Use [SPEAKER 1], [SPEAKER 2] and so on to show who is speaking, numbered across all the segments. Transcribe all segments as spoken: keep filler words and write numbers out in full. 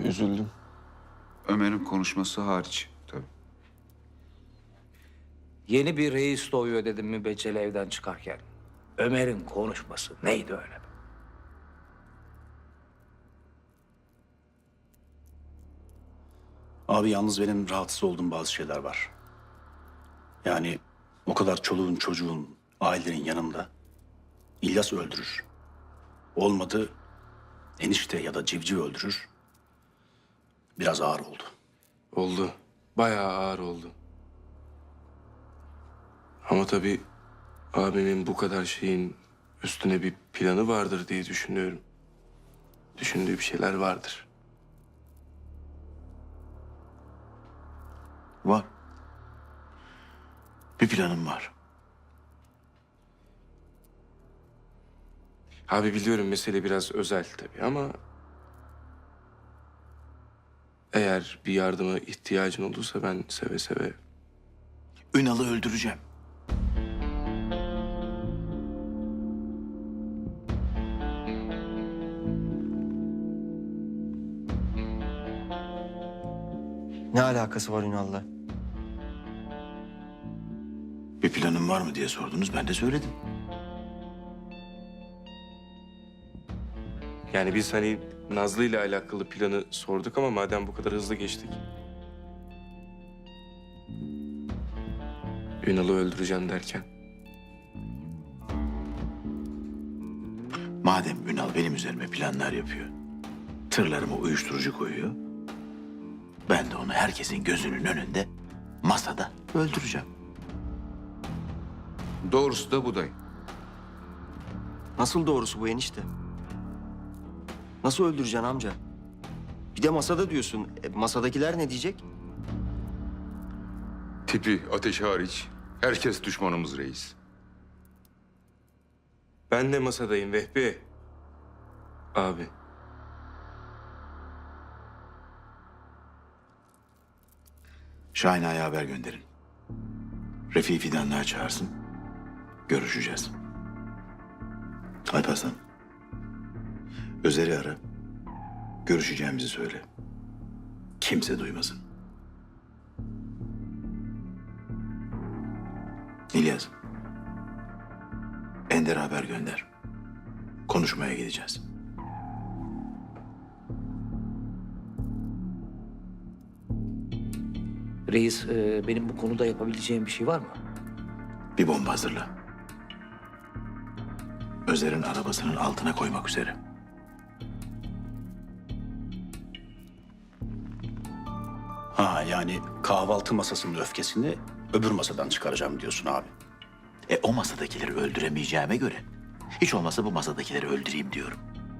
[SPEAKER 1] Üzüldüm.
[SPEAKER 2] Ömer'in konuşması hariç tabii.
[SPEAKER 3] Yeni bir reis doğuyor dedim mübeccel evden çıkarken. Ömer'in konuşması neydi öyle?
[SPEAKER 4] Abi yalnız benim rahatsız olduğum bazı şeyler var. Yani o kadar çoluğun, çocuğun, ailelerin yanında İlyas öldürür. Olmadı enişte ya da civciv öldürür. Biraz ağır oldu.
[SPEAKER 1] Oldu. Bayağı ağır oldu. Ama tabii abimin bu kadar şeyin üstüne bir planı vardır diye düşünüyorum. Düşündüğü bir şeyler vardır.
[SPEAKER 5] Var. Bir planım var.
[SPEAKER 1] Abi biliyorum mesele biraz özel tabii ama... Eğer bir yardıma ihtiyacın olursa ben seve seve...
[SPEAKER 5] Ünal'ı öldüreceğim.
[SPEAKER 6] Ne alakası var Ünal'la?
[SPEAKER 5] Bir planım var mı diye sordunuz, ben de söyledim.
[SPEAKER 1] Yani biz hani Nazlı ile alakalı planı sorduk ama madem bu kadar hızlı geçtik. Ünal'ı öldüreceğim derken.
[SPEAKER 5] Madem Ünal benim üzerime planlar yapıyor, tırlarıma uyuşturucu koyuyor, ben de onu herkesin gözünün önünde masada öldüreceğim.
[SPEAKER 2] Doğrusu da bu dayı.
[SPEAKER 6] Nasıl doğrusu bu enişte? Nasıl öldüreceksin amca? Bir de masada diyorsun. E, masadakiler ne diyecek?
[SPEAKER 7] Tipi, ateşi hariç herkes düşmanımız reis.
[SPEAKER 1] Ben de masadayım Vehbi. Abi.
[SPEAKER 5] Şahin Ağa'ya haber gönderin. Refik'i Fidanlığa çağırsın. Görüşeceğiz. Alparslan. Özer'i ara. Görüşeceğimizi söyle. Kimse duymasın. İlyas. Ender'e haber gönder. Konuşmaya gideceğiz.
[SPEAKER 3] Reis, e, benim bu konuda yapabileceğim bir şey var mı?
[SPEAKER 5] Bir bomba hazırla. Özer'in arabasının altına koymak üzere.
[SPEAKER 4] Ha yani kahvaltı masasının öfkesini öbür masadan çıkaracağım diyorsun abi.
[SPEAKER 5] E o masadakileri öldüremeyeceğime göre hiç olmazsa bu masadakileri öldüreyim diyorum.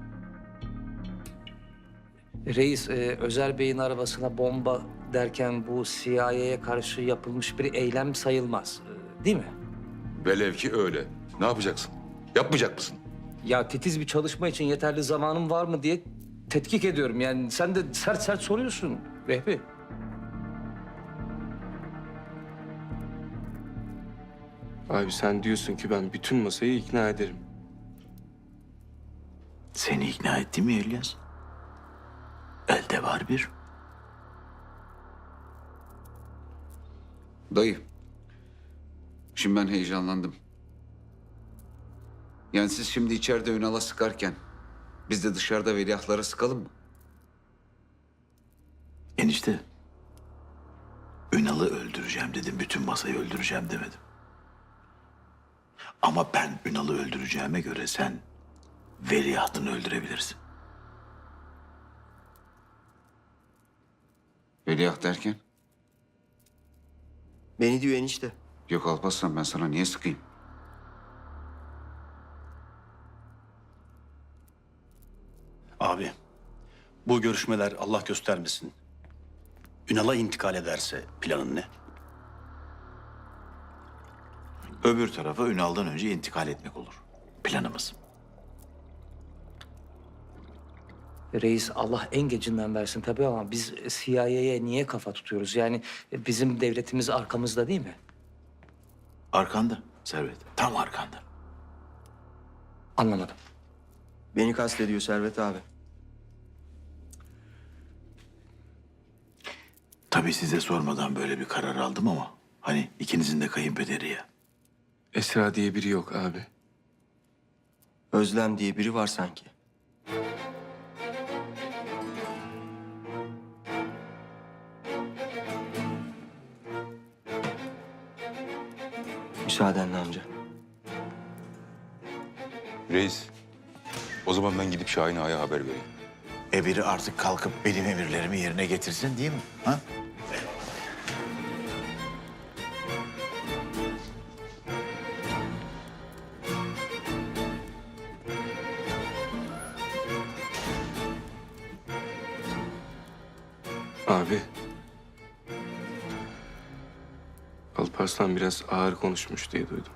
[SPEAKER 3] Reis, e, Özer Bey'in arabasına bomba derken bu C I A'ye karşı yapılmış bir eylem sayılmaz. e, Değil mi?
[SPEAKER 7] Velev ki öyle. Ne yapacaksın? Yapmayacak mısın?
[SPEAKER 3] Ya titiz bir çalışma için yeterli zamanım var mı diye tetkik ediyorum. Yani sen de sert sert soruyorsun Vehbi.
[SPEAKER 1] Abi sen diyorsun ki ben bütün masayı ikna ederim.
[SPEAKER 5] Seni ikna etti mi İlyas? Elde var bir.
[SPEAKER 2] Dayı. Şimdi ben heyecanlandım. Yani siz şimdi içeride Ünal'a sıkarken biz de dışarıda veliahtlara sıkalım mı?
[SPEAKER 5] Enişte. Ünal'ı öldüreceğim dedim. Bütün masayı öldüreceğim demedim. Ama ben Ünal'ı öldüreceğime göre sen veliahtını öldürebilirsin.
[SPEAKER 2] Veliaht derken?
[SPEAKER 6] Beni diyor enişte.
[SPEAKER 2] Yok Alparslan, ben sana niye sıkayım?
[SPEAKER 4] Abi bu görüşmeler Allah göstermesin. Ünal'a intikal ederse planın ne?
[SPEAKER 5] Öbür tarafa Ünal'dan önce intikal etmek olur. Planımız.
[SPEAKER 3] Reis, Allah en gecinden versin tabii ama biz C I A'ye niye kafa tutuyoruz? Yani e, bizim devletimiz arkamızda değil mi?
[SPEAKER 5] Arkanda Servet. Tam arkanda.
[SPEAKER 3] Anlamadım.
[SPEAKER 6] Beni kastediyor Servet abi.
[SPEAKER 5] Tabii size sormadan böyle bir karar aldım ama hani ikinizin de kayınpederi ya.
[SPEAKER 1] Esra diye biri yok abi.
[SPEAKER 6] Özlem diye biri var sanki. Müsaadenle amca.
[SPEAKER 7] Reis, o zaman ben gidip Şahin Ağa'ya haber vereyim.
[SPEAKER 5] E biri artık kalkıp benim emirlerimi yerine getirsin değil mi? Ha?
[SPEAKER 1] Abi. Alparslan biraz ağır konuşmuş diye duydum.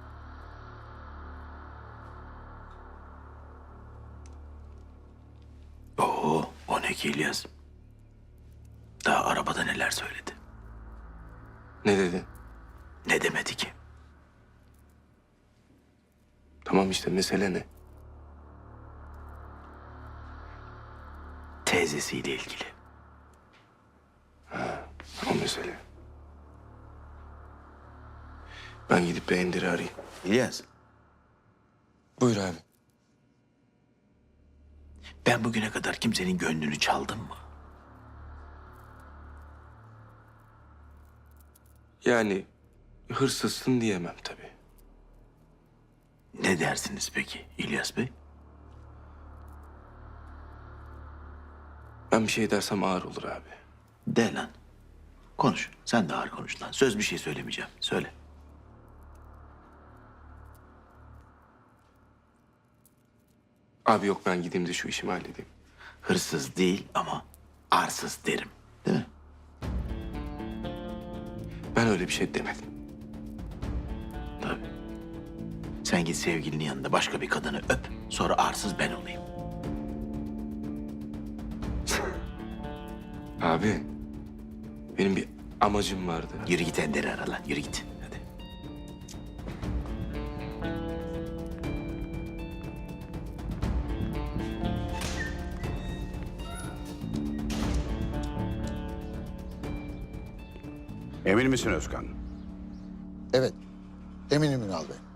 [SPEAKER 5] Oo, o ne ki İlyas? Daha arabada neler söyledi?
[SPEAKER 1] Ne dedi?
[SPEAKER 5] Ne demedi ki?
[SPEAKER 1] Tamam işte mesele ne?
[SPEAKER 5] Teyzesiyle ilgili.
[SPEAKER 1] O mesele. Ben gidip Behendir'i arayayım.
[SPEAKER 5] İlyas,
[SPEAKER 1] Buyur abi.
[SPEAKER 5] ben bugüne kadar kimsenin gönlünü çaldım mı?
[SPEAKER 1] Yani hırsızsın diyemem tabii.
[SPEAKER 5] Ne dersiniz peki İlyas Bey?
[SPEAKER 1] Ben bir şey dersem ağır olur abi.
[SPEAKER 5] De lan. Konuş. Sen de ağır konuş lan. Söz bir şey söylemeyeceğim. Söyle.
[SPEAKER 1] Abi yok ben gideyim de şu işimi halledeyim.
[SPEAKER 5] Hırsız değil ama arsız derim. Değil mi?
[SPEAKER 1] Ben öyle bir şey demedim.
[SPEAKER 5] Tabii. Sen git sevgilinin yanında başka bir kadını öp. Sonra arsız ben olayım.
[SPEAKER 1] Abi benim bir amacım vardı.
[SPEAKER 5] Yürü git Ender'i ara lan. Yürü git. Hadi.
[SPEAKER 8] Emin misin Özkan?
[SPEAKER 9] Evet, eminim Ünal Bey.